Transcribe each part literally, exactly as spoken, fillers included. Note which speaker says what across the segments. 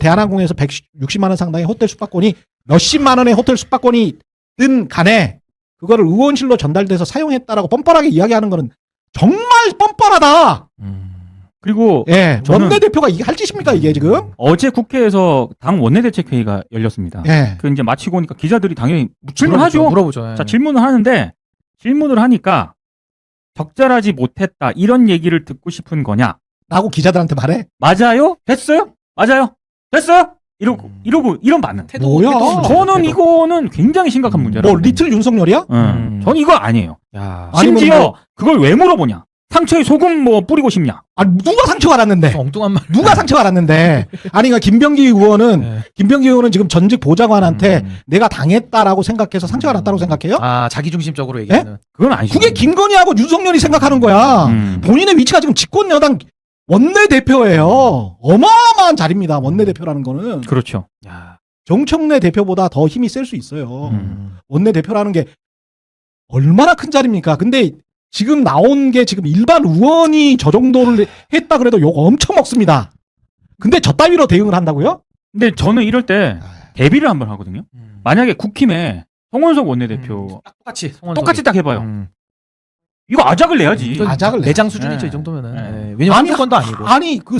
Speaker 1: 대한항공에서 백육십만 원 상당의 호텔 숙박권이 몇십만 원의 호텔 숙박권이든 간에 그거를 의원실로 전달돼서 사용했다라고 뻔뻔하게 이야기하는 거는 정말 뻔뻔하다.
Speaker 2: 음.
Speaker 3: 그리고
Speaker 1: 예,
Speaker 3: 저는
Speaker 1: 원내대표가 이게 할 짓입니까 이게 지금?
Speaker 3: 어제 국회에서 당 원내대책회의가 열렸습니다.
Speaker 1: 예.
Speaker 3: 그 이제 마치고 오니까 기자들이 당연히 질문하죠.
Speaker 2: 물어보죠. 예.
Speaker 3: 자, 질문을 하는데 질문을 하니까 적절하지 못했다 이런 얘기를 듣고 싶은 거냐?
Speaker 1: 라고 기자들한테 말해.
Speaker 3: 맞아요? 됐어요? 맞아요? 됐어요? 이러고
Speaker 2: 음.
Speaker 3: 이러고 이런 반응.
Speaker 2: 태도,
Speaker 1: 뭐야?
Speaker 2: 태도,
Speaker 3: 저는
Speaker 2: 태도.
Speaker 3: 이거는 굉장히 심각한 문제라고.
Speaker 1: 뭐 리틀 윤석열이야?
Speaker 3: 응.
Speaker 2: 음.
Speaker 3: 저는 이거 아니에요.
Speaker 2: 야,
Speaker 1: 아니면
Speaker 3: 심지어
Speaker 1: 뭐-
Speaker 3: 그걸 왜 물어보냐? 상처에 소금 뭐 뿌리고 싶냐?
Speaker 1: 아 누가 상처가 났는데?
Speaker 2: 엉뚱한 말.
Speaker 1: 누가 상처가 났는데? 아니 그러니까 김병기 의원은
Speaker 2: 네.
Speaker 1: 김병기 의원은 지금 전직 보좌관한테
Speaker 2: 음.
Speaker 1: 내가 당했다라고 생각해서 상처가 났다고 생각해요?
Speaker 2: 아, 자기중심적으로 얘기하는.
Speaker 3: 그건 아니죠.
Speaker 1: 그게 김건희하고 윤석열이 생각하는 거야.
Speaker 3: 음.
Speaker 1: 본인의 위치가 지금 집권여당 원내대표예요. 어마어마한 자리입니다. 원내대표라는 거는.
Speaker 3: 그렇죠.
Speaker 2: 야.
Speaker 1: 정청래 대표보다 더 힘이 셀 수 있어요.
Speaker 3: 음.
Speaker 1: 원내대표라는 게 얼마나 큰 자리입니까? 근데 지금 나온 게 지금 일반 의원이 저 정도를 했다 그래도 욕 엄청 먹습니다. 근데 저 따위로 대응을 한다고요?
Speaker 3: 근데 저는 이럴 때 대비를 한번 하거든요.
Speaker 2: 음.
Speaker 3: 만약에 국힘에 송원석 원내대표
Speaker 2: 음. 딱 똑같이 송원석이.
Speaker 3: 똑같이 딱 해봐요.
Speaker 2: 음.
Speaker 3: 이거 아작을 내야지.
Speaker 2: 이건
Speaker 1: 아작을
Speaker 2: 내장
Speaker 3: 내야지.
Speaker 2: 수준이죠,
Speaker 3: 네.
Speaker 2: 이 정도면은.
Speaker 3: 네.
Speaker 2: 예. 왜냐면
Speaker 1: 아니,
Speaker 2: 한건도 아니고.
Speaker 1: 아니 그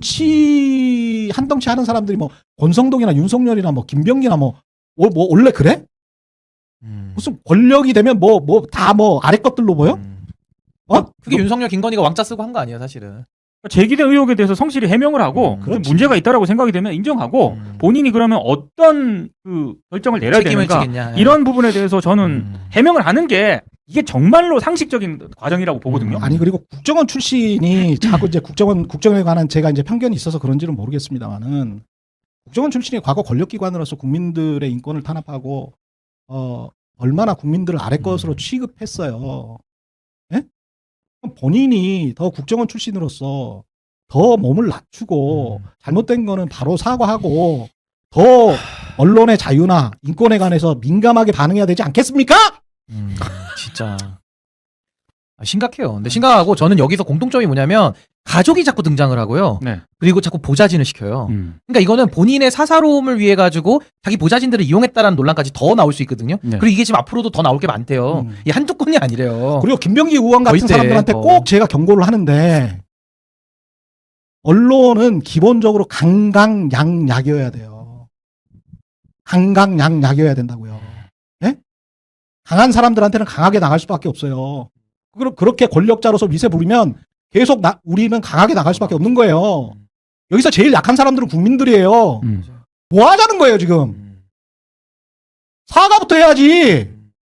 Speaker 1: 덩치 한 덩치 하는 사람들이 뭐 권성동이나 윤석열이나 뭐 김병기나 뭐, 뭐, 뭐 원래 그래?
Speaker 2: 음.
Speaker 1: 무슨 권력이 되면 뭐 뭐 다 뭐 아래 것들로 보여?
Speaker 2: 음.
Speaker 1: 어?
Speaker 2: 그게 윤석열, 김건희가 왕자 쓰고 한 거 아니에요, 사실은.
Speaker 3: 제기된 의혹에 대해서 성실히 해명을 하고
Speaker 2: 음,
Speaker 3: 좀
Speaker 1: 그렇지.
Speaker 3: 문제가 있다라고 생각이 되면 인정하고
Speaker 2: 음.
Speaker 3: 본인이 그러면 어떤 그 결정을 내려야
Speaker 2: 책임을
Speaker 3: 되는가
Speaker 2: 지겠냐. 예.
Speaker 3: 이런 부분에 대해서 저는
Speaker 2: 음.
Speaker 3: 해명을 하는 게 이게 정말로 상식적인 과정이라고 보거든요.
Speaker 2: 음.
Speaker 1: 아니 그리고 국정원 출신이 자꾸 이제 국정원 국정에 관한 제가 이제 편견이 있어서 그런지는 모르겠습니다만은 국정원 출신이 과거 권력기관으로서 국민들의 인권을 탄압하고 어 얼마나 국민들을 아래 것으로
Speaker 2: 음.
Speaker 1: 취급했어요. 예? 그럼 본인이 더 국정원 출신으로서 더 몸을 낮추고
Speaker 2: 음.
Speaker 1: 잘못된 거는 바로 사과하고 더 언론의 자유나 인권에 관해서 민감하게 반응해야 되지 않겠습니까?
Speaker 2: 음, 진짜 아, 심각해요. 근데 심각하고 저는 여기서 공통점이 뭐냐면 가족이 자꾸 등장을 하고요.
Speaker 3: 네.
Speaker 2: 그리고 자꾸 보좌진을 시켜요.
Speaker 3: 음.
Speaker 2: 그러니까 이거는 본인의 사사로움을 위해 가지고 자기 보좌진들을 이용했다라는 논란까지 더 나올 수 있거든요.
Speaker 3: 네.
Speaker 2: 그리고 이게 지금 앞으로도 더 나올 게 많대요.
Speaker 1: 음.
Speaker 2: 이 한두 건이 아니래요.
Speaker 1: 그리고 김병기 의원 같은
Speaker 2: 거의 때,
Speaker 1: 사람들한테
Speaker 2: 어.
Speaker 1: 꼭 제가 경고를 하는데 언론은 기본적으로 강강약약이어야 돼요. 강강약약이어야 된다고요. 예? 강한 사람들한테는 강하게 나갈 수밖에 없어요. 그러- 그렇게 권력자로서 미세 부리면 계속 나, 우리는 강하게 나갈 수밖에 없는 거예요. 여기서 제일 약한 사람들은 국민들이에요.
Speaker 3: 음.
Speaker 1: 뭐 하자는 거예요 지금?
Speaker 2: 음.
Speaker 1: 사과부터 해야지.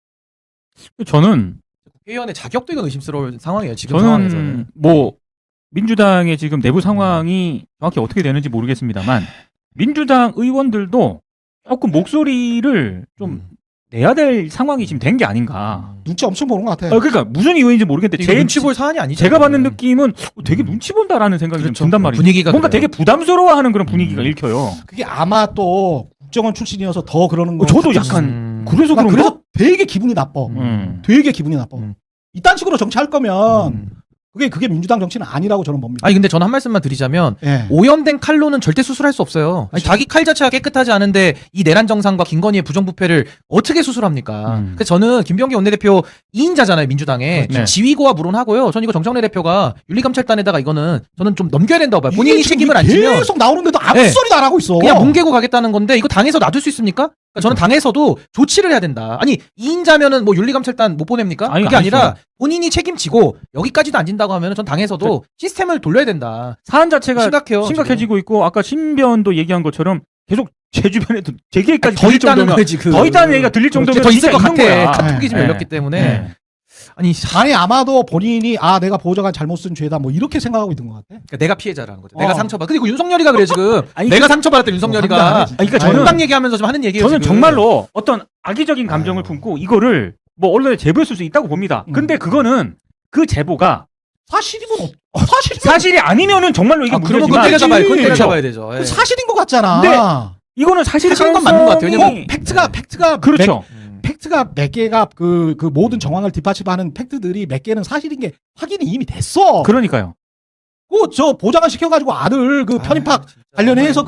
Speaker 3: 저는
Speaker 2: 국회의원의 자격도 이건 의심스러운 상황이에요. 지금 상황에서는.
Speaker 3: 저는 뭐 민주당의 지금 내부 상황이 정확히 어떻게 되는지 모르겠습니다만 민주당 의원들도 조금 목소리를 좀
Speaker 2: 음.
Speaker 3: 내야 될 상황이 지금 된 게 아닌가.
Speaker 1: 눈치 엄청 보는 것 같아.
Speaker 3: 어, 그러니까 무슨 이유인지 모르겠는데
Speaker 2: 이거
Speaker 3: 제
Speaker 2: 눈치 볼 사안이 아니죠.
Speaker 3: 제가 받는
Speaker 2: 이거는.
Speaker 3: 느낌은 어, 되게
Speaker 2: 음.
Speaker 3: 눈치 본다라는 생각이 좀
Speaker 2: 그렇죠.
Speaker 3: 든단 말이에요.
Speaker 2: 분위기가
Speaker 3: 뭔가
Speaker 2: 그래요.
Speaker 3: 되게 부담스러워하는 그런 분위기가
Speaker 2: 음.
Speaker 3: 읽혀요.
Speaker 1: 그게 아마 또 국정원 출신이어서 더 그러는 거.
Speaker 3: 어, 저도
Speaker 1: 같았어.
Speaker 3: 약간
Speaker 2: 음.
Speaker 3: 그래서
Speaker 1: 나
Speaker 3: 그런가?
Speaker 1: 그래서 되게 기분이 나빠.
Speaker 3: 음.
Speaker 1: 되게 기분이 나빠.
Speaker 2: 음.
Speaker 1: 이딴 식으로 정치할 거면
Speaker 2: 음.
Speaker 1: 그게 그게 민주당 정치는 아니라고 저는 봅니다.
Speaker 2: 아니 근데 저는 한 말씀만 드리자면
Speaker 1: 예.
Speaker 2: 오염된 칼로는 절대 수술할 수 없어요. 아니, 자기 칼 자체가 깨끗하지 않은데 이 내란 정상과 김건희의 부정부패를 어떻게 수술합니까?
Speaker 3: 음.
Speaker 2: 그래서 저는 김병기 원내대표 이 인자잖아요 민주당에
Speaker 3: 네.
Speaker 2: 지휘고와 물론하고요. 저는 이거 정청래 대표가 윤리감찰단에다가 이거는 저는 좀 넘겨야 된다고 봐요. 본인이
Speaker 1: 이게 지금
Speaker 2: 책임을 안 지면
Speaker 1: 계속 나오는데도 아무
Speaker 2: 네.
Speaker 1: 소리도 안 하고 있어.
Speaker 2: 그냥 뭉개고 가겠다는 건데 이거 당에서 놔둘 수 있습니까? 그러니까 저는 당에서도 조치를 해야 된다. 아니 이 인자면은 뭐 윤리감찰단 못 보냅니까?
Speaker 3: 아니,
Speaker 2: 그게 아니라
Speaker 3: 아니죠.
Speaker 2: 본인이 책임지고 여기까지도 안 진다고 하면은 전 당에서도 시스템을 돌려야 된다.
Speaker 3: 사안 자체가
Speaker 2: 심각해요.
Speaker 3: 심각해지고 있고 아까 신변도 얘기한 것처럼 계속 제 주변에도 제 얘기까지
Speaker 2: 더
Speaker 3: 들릴
Speaker 2: 있다는
Speaker 3: 정도면
Speaker 2: 거지. 그...
Speaker 3: 더 있다는 얘기가 들릴 정도면
Speaker 2: 더 있을
Speaker 3: 진짜
Speaker 2: 것
Speaker 3: 있는
Speaker 2: 같아.
Speaker 3: 거야.
Speaker 2: 카톡이 지금
Speaker 3: 네.
Speaker 2: 열렸기 때문에
Speaker 3: 네.
Speaker 2: 아니
Speaker 1: 아니 아마도 본인이 아 내가 보좌관 잘못 쓴 죄다 뭐 이렇게 생각하고 있는 것 같아.
Speaker 2: 그러니까 내가 피해자라는 거죠.
Speaker 1: 어.
Speaker 2: 내가 상처받. 근데 그 윤석열이가 그래 지금.
Speaker 3: 아니,
Speaker 2: 내가 상처받았다 윤석열이가.
Speaker 1: 어, 장난 아니지.
Speaker 3: 아니, 그러니까
Speaker 1: 아유,
Speaker 3: 저는-
Speaker 2: 정당 얘기하면서 좀 하는 얘기예요.
Speaker 3: 저는
Speaker 2: 지금.
Speaker 3: 정말로 어떤 악의적인 감정을
Speaker 1: 아유.
Speaker 3: 품고 이거를 뭐 언론에 제보했을 수 있다고 봅니다.
Speaker 1: 음.
Speaker 3: 근데 그거는 그 제보가
Speaker 1: 사실이면 어, 사실이면
Speaker 3: 사실이 아니면은 정말로 이게
Speaker 2: 아, 그러면 그건
Speaker 3: 문제지만
Speaker 2: 때려잡아야 그건
Speaker 1: 그렇죠.
Speaker 2: 때려잡아야 되죠. 예.
Speaker 1: 그 사실인 것 같잖아.
Speaker 3: 근데 이거는 사실
Speaker 2: 사실인 건 맞는 것 같아요. 왜냐면
Speaker 1: 어, 팩트가 팩트가
Speaker 3: 그렇죠.
Speaker 2: 음.
Speaker 1: 몇, 팩트가 몇 개가 그 그 모든 정황을 뒷받침하는 팩트들이 몇 개는 사실인 게 확인이 이미 됐어.
Speaker 3: 그러니까요.
Speaker 1: 그저 보좌관 시켜가지고 아들 그 편입학
Speaker 2: 아, 진짜.
Speaker 1: 관련해서 그냥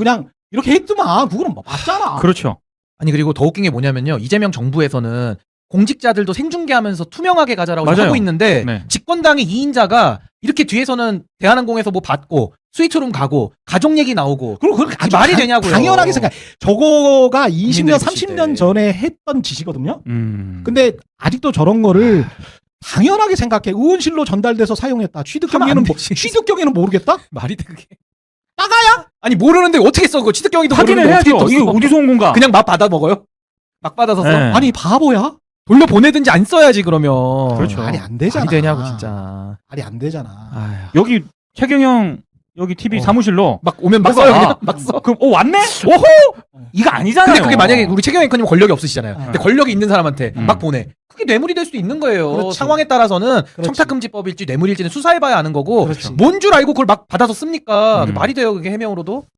Speaker 1: 이렇게 했더만 그거는 뭐 맞잖아.
Speaker 3: 그렇죠.
Speaker 2: 아니 그리고 더 웃긴 게 뭐냐면요. 이재명 정부에서는 공직자들도 생중계하면서 투명하게 가자라고
Speaker 3: 맞아요.
Speaker 2: 하고 있는데
Speaker 3: 네.
Speaker 2: 집권당의 이인자가 이렇게 뒤에서는 대한항공에서 뭐 받고 스위트룸 가고 가족 얘기 나오고
Speaker 1: 그리고 그렇게
Speaker 2: 이게 말이
Speaker 1: 당-
Speaker 2: 되냐고요.
Speaker 1: 당연하게 생각. 저거가 이십 년,
Speaker 2: 국민들이
Speaker 1: 삼십
Speaker 2: 보실
Speaker 1: 년
Speaker 2: 때.
Speaker 1: 전에 했던 짓이거든요.
Speaker 3: 음.
Speaker 1: 근데 아직도 저런 거를 당연하게 생각해. 의원실로 전달돼서 사용했다. 취득
Speaker 2: 하면
Speaker 1: 경위는
Speaker 2: 안
Speaker 1: 뭐,
Speaker 2: 되지.
Speaker 1: 취득 경위는 모르겠다.
Speaker 2: 말이 돼 그게.
Speaker 1: 따가야?
Speaker 2: 아니 모르는데 어떻게 써 그거 취득 경위도
Speaker 3: 확인을
Speaker 2: 모르는데
Speaker 3: 해야죠.
Speaker 2: 어떻게
Speaker 3: 이게
Speaker 2: 또 써?
Speaker 3: 어디서 온 건가?
Speaker 2: 그냥 막 받아 먹어요? 막 받아서 써?
Speaker 3: 네.
Speaker 1: 아니 바보야?
Speaker 2: 돌려 보내든지 안 써야지 그러면.
Speaker 3: 그렇죠.
Speaker 1: 말이 안 되잖아.
Speaker 2: 말이 되냐고 진짜.
Speaker 1: 말이 안 되잖아.
Speaker 2: 아휴.
Speaker 3: 여기 최경영 여기 티비
Speaker 2: 어.
Speaker 3: 사무실로
Speaker 2: 막 오면 막
Speaker 3: 뭐가?
Speaker 2: 써요 그냥 막 써.
Speaker 3: 그럼 어 왔네? 오호! 이거 아니잖아요.
Speaker 2: 근데 그게 만약에 우리 최경영 앵커님 권력이 없으시잖아요. 근데
Speaker 1: 어.
Speaker 2: 권력이 있는 사람한테
Speaker 3: 음.
Speaker 2: 막 보내. 그게 뇌물이 될 수도 있는 거예요.
Speaker 1: 그렇지.
Speaker 2: 상황에 따라서는
Speaker 1: 그렇지.
Speaker 2: 청탁금지법일지 뇌물일지는 수사해봐야 아는 거고
Speaker 1: 그렇지.
Speaker 2: 뭔 줄 알고 그걸 막 받아서 씁니까?
Speaker 3: 음.
Speaker 2: 말이 돼요 그게 해명으로도?